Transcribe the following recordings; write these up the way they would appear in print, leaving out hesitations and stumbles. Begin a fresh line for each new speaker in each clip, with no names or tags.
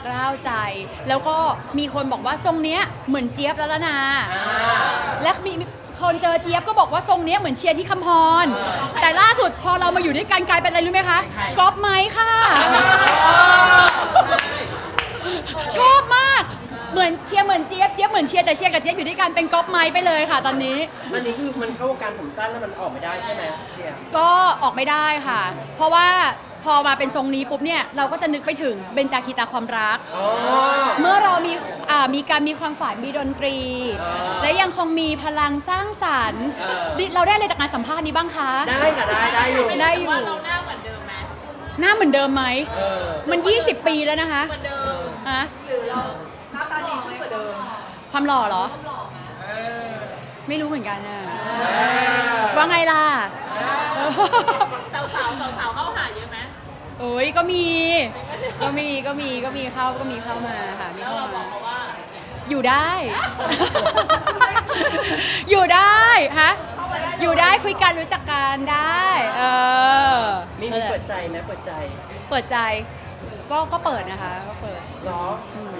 กล้าวใจ แล้วก็มีคนบอกว่าทรงเนี้ยเหมือนเจี๊ยบแล้วนะและมีคนเจอเจี๊ยบก็บอกว่าทรงเนี้ยเหมือนเชียร์ที่คำพรแต่ล่าสุดพอเรามาอยู่ด้วยกันกลายเป็นอะไรรู้ไหมคะก๊อปไมค์ค่ะชอบมากเหมือนเชียร์เหมือนเจี๊ยบเจี๊ยบเหมือนเชียร์แต่เชียร์กับเจี๊ยบอยู่ด้วยกันเป็นก๊อปไมค์ไปเลยค่ะตอนนี้
อันนี้คือมันเข้าวงการผมสั้นแล้วมันออกไม่ได้ใช่ไหมเชียร์
ก็ออกไม่ได้ค่ะเพราะว่าพอมาเป็นทรงนี้ปุ๊บเนี่ยเราก็จะนึกไปถึงเบญจคีตาความรักเมื่อเรามีการมีความฝันมีดนตรีและยังคงมีพลังสร้างสรรค์เราได้อะไรจากการสัมภาษณ์นี้บ้างคะ
ได้ค่ะได้อยู่
ได้อยู่
ว่าเราหน้าเหมือนเดิมไหม
หน้าเหมือนเดิมไหมมัน20 ปีแล้วนะคะ
เหมือนเดิม
ฮะ
หรือเราหน้าตาดีขึ้นกว่าเดิม
ความหล่อเหรอไม่รู้เหมือนกันนะว่าไงล่ะ
สาวเข้าหาเยอะไหม
โอ้ยก็มีเข้ามาค่ะ
แล้วเราบอกเขาว่า
อยู่ได้ อยู่ได้ฮะอยู่ได้คุยกันรู้จักกันได้
มีเปิดใจไหมเปิดใจ
ก็เปิดนะคะก็เปิด
หรอ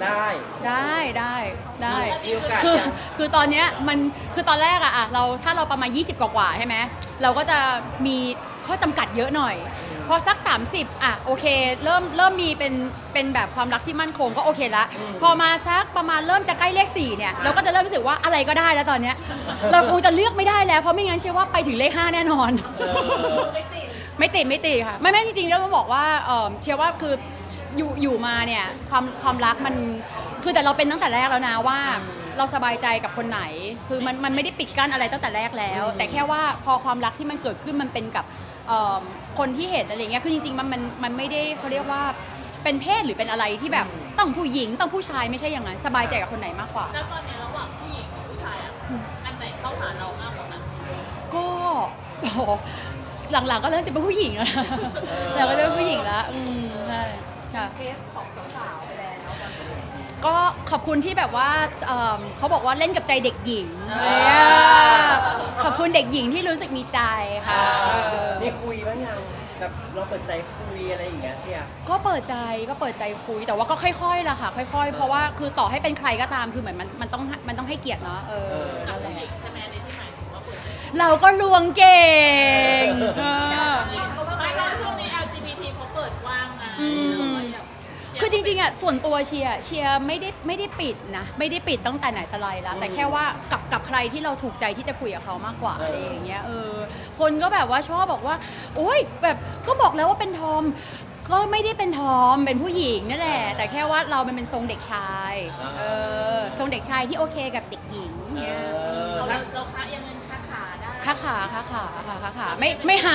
ได้
คือตอนเนี้ยมันคือตอนแรกอะเราถ้าเราประมาณ20กว่าใช่ไหมเราก็จะมีข้อจำกัดเยอะหน่อยพอสัก30อ่ะโอเคเริ่มมีเป็นแบบความรักที่มั่นคงก็โอเคละพอมาสักประมาณเริ่มจะใกล้เลข4เนี่ยเราก็จะเริ่มรู้สึกว่าอะไรก็ได้แล้วตอนเนี้ยเราคงจะเลือกไม่ได้แล้วเพราะไม่งั้นเชื่อว่าไปถึงเลข5แน่นอนไม่ติดค่ะไม่จริงๆแล้วต้องบอกว่าเชื่อว่าคืออยู่มาเนี่ยความรักมันคือแต่เราเป็นตั้งแต่แรกแล้วนะว่าเราสบายใจกับคนไหนคือมันไม่ได้ปิดกั้นอะไรตั้งแต่แรกแล้วแต่แค่ว่าพอความรักที่มันเกิดขึ้นมันเป็นกับคนที่เห็นอะไรเงี้ยคือจริงๆมันไม่ได้เขาเรียกว่าเป็นเพศหรือเป็นอะไรที่แบบต้องผู้หญิงต้องผู้ชายไม่ใช่อย่างนั้นสบายใจกับคนไหนมากกว่า
แล้วตอนนี้ระหว่างผู้หญิงกับผู้ชายอันไหนเข้าหาเรามากกว่ากัน
ก็หลังๆก็เริ่มจะเป็นผู้หญิงแล้วเราก็จะเป็นผู้หญิงแล้วใช่ค่ะ
เคสของสาวๆไปแล้ว
ก็ขอบคุณที่แบบว่าเขาบอกว่าเล่นกับใจเด็กหญิงขอบคุณเด็กหญิงที่รู้สึกมีใจค่ะ
มีคุยบ้างยังแบบเราเปิดใจคุยอะไรอย่างเงี้ยเชียร์
ก็เปิดใจคุยแต่ว่าก็ค่อยๆล่ะค่ะค่อยๆเพราะว่าคือต่อให้เป็นใครก็ตามคือเหมือนมันต้องให้เกียรติเนาะ
กับผู้หญิงใช่ไหมในที่หมายถึงว่าเปิดใจ
เราก็ลวงเก่ง
ไม่เพราะช่วงนี้ LGBT เขาเปิดกว้างไง
คือจริงๆอ่ะส่วนตัวเชียร์ไม่ได้ปิดนะไม่ได้ปิดตั้งแต่ไหนแต่ไรแล้วแต่แค่ว่ากับใครที่เราถูกใจที่จะคุยกับเขามากกว่าอะไรอย่างเงี้ยคนก็แบบว่าชอบบอกว่าโอ๊ยแบบก็บอกแล้วว่าเป็นทอมก็ไม่ได้เป็นทอมเป็นผู้หญิงนั่นแหละแต่แค่ว่าเราเป็นทรงเด็กชายทรงเด็กชายที่โอเคกับเด็กหญิงเนี่ย
เราค้ายังเงินค้าขาได้
ค้าขาไม่หา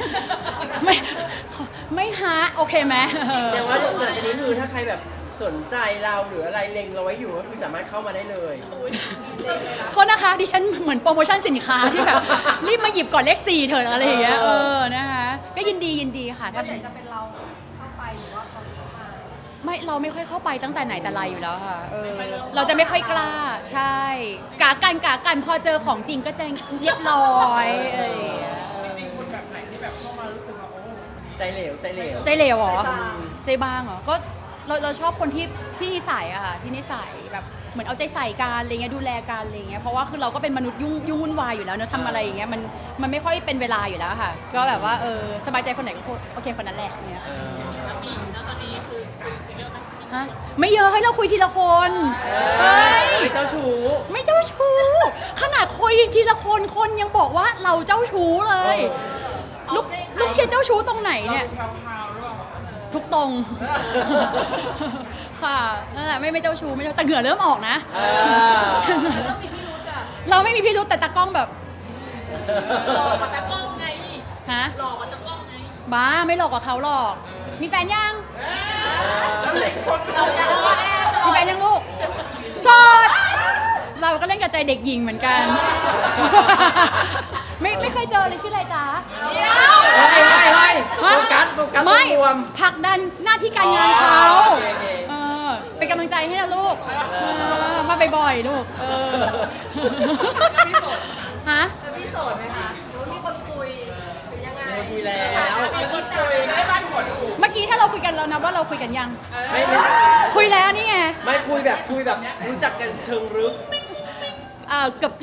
ไม่หาโอเคไหม
แต่ว่าหลังจากนี้คือถ้าใครแบบสนใจเราหรืออะไรเล็งเราไว้อยู่ก็คือสามารถเข้ามาได้เลย
โทษนะคะดิฉันเหมือนโปรโมชั่นสินค้าที่แบบรีบมาหยิบก่อนเลข4เถอะอะไรอย่างเงี้ยนะคะก็ยินดีค่ะ
ถ้าจะเป็นเราเข้าไปหรือว่าเขาเข้ามา
ไม่เราไม่ค่อยเข้าไปตั้งแต่ไหนแต่ไรอยู่แล้วค่ะเราจะไม่ค่อยกล้าใช่กากันพอเจอของจริงก็จะเรียบร้อย
จริงๆคนแบบไหนที่แบบเข้ามารู้สึกว่าโอ้
ใจเหลว
เหรอใจบางเหรอก็เราชอบคนที่นิสัยอะค่ะที่นิสัยแบบเหมือนเอาใจใส่กันอะไรเงี้ยดูแลกันอะไรเงี้ยเพราะว่าคือเราก็เป็นมนุษย์ยุ่งวุ่นวายอยู่แล้วเนอะทำอะไรอย่างเงี้ยมันไม่ค่อยเป็นเวลาอยู่แล้วค่ะก็แบบว่าสบายใจคนไหนก็โอเคคนนั้นแหละเนี่ย
แล้วตอนนี้คือคุยเยอะไหม
ฮะไม่เยอะให้เราคุยทีละคน
ไม่เจ้าชู้
ขนาดคุยทีละคนยังบอกว่าเราเจ้าชู้เลยลูกเชียร์เจ้าชู้ตรงไหนเนี่ยทุกตรงค่ะนั่นแหละไม่เจ้าชู้ไม่แต่เหงื่อเริ่มออกนะเราไม่มีพิรุธแต่ตากล้องแบบ
หลอกกับตากล้องไง
ฮะ
หลอกกับตากล้องไง
บ้าไม่หลอกกับเขาหรอกมีแฟนยังมีแฟนยังลูกโสดเราก็เล่นกับใจเด็กหญิงเหมือนกันไม่เคยเจอเลยชื่ออะไรจ๊ะ
โฟกัส
ไม่ผลักดันหน้าที่การงานเขาเป็นกำลังใจให้นะลูกมาบ่อยๆลูกฮะ
พี่โสดไหมคะหรือมีคนคุยหรือยังไง
คุยแล้ว
มีคนคุยได้บ้านหัวถูก
เมื่อกี้ถ้าเราคุยกันแล้วนะว่าเราคุยกันยัง
ไม่
คุยแล้ว
ไม่คุยแบบรู้จักกันเชิงลึก
เกือบ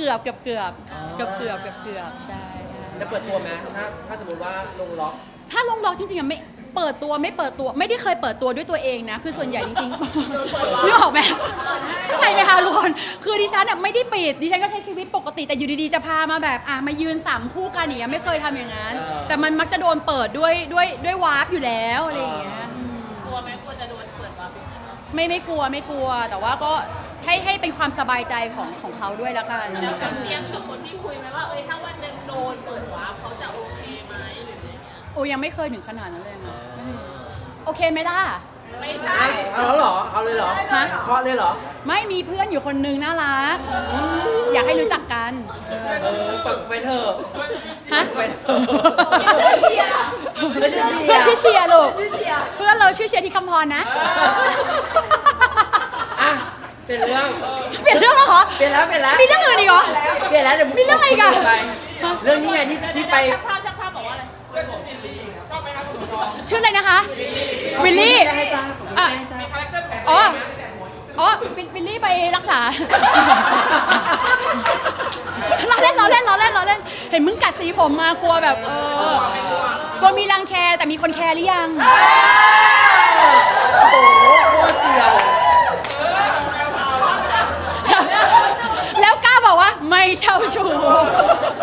ใช่
จะเปิดตัวไหมถ้าสมมติว่าลงล็อก
ถ้าลงล็อกจริงๆอะไม่เปิดตัวไม่ได้เคยเปิดตัวด้วยตัวเองนะคือส่วนใหญ่จริงๆนึกออกไหมเข้าใจไหมคะทุกคนคือดิฉันอะไม่ได้ปิดดิฉันก็ใช้ชีวิตปกติแต่อยู่ดีๆจะพามาแบบมายืน3คู่กันอย่างเงี้ยไม่เคยทำอย่างนั้นแต่มันมักจะโดนเปิดด้วยวาร์ปอยู่แล้วอะไรอย่างเงี้ย
กลัวไหมกลัวจะโดนเปิดวาร์ปอีกไหม
ไม่กลัวแต่ว่าก็ให้เป็นความสบายใจของเขาด้วยละกัน
แล้วกับเตรียมกับคนที่คุยไหมว่าถ้าวันหนึ่งโดนเปิดวาร์ปเขาจะโอเคไหมหรืออะไรเงี้ย
โอ้ยังไม่เคยถึงขนาดนั้นเลยนะโอเคไหมล่ะ
ไม่ใช่
เอาแล้วเหรอเอาเลยเหรอ
ฮะ
เคาะเลยเหรอ
ไม่มีเพื่อนอยู่คนนึงน่ารักอยากให้รู้จักกัน
เปิดไปเถอะ
ฮะ
ไปเถอะ
เพื่อนชื่อเชียร์ลูกเพื่อนเราชื่อเชียร์ที่คำพรนะ
อ่ะเปลี่ยนเรื่อง
เปลี่ยนเรื่องแล้วเหรอ
เปลี่ยนแล้ว
มีเรื่องอื่นอีกเหรอ
เปลี่ยนแล้วเดี๋ยว
มีเรื่องอะไรอีกอะ
ไปเรื่องนี้ไงที่ไป
ช่างภาพบอกว่าอะไร
ชื่ออะไรนะคะวิลลี่
ให้ทราบ
อ่ะ
ให้ทราบ
อ๋อวิลลี่ไปรักษา ล้อเล่นเห็นมึงกัดสีผมมากลัวแบบกลัวมีรังแคแต่มีคนแคร์หรือยัง
โอ้โหโคตรเสียว
แล้วกล้าบอกว่าไม่เจ้าชู้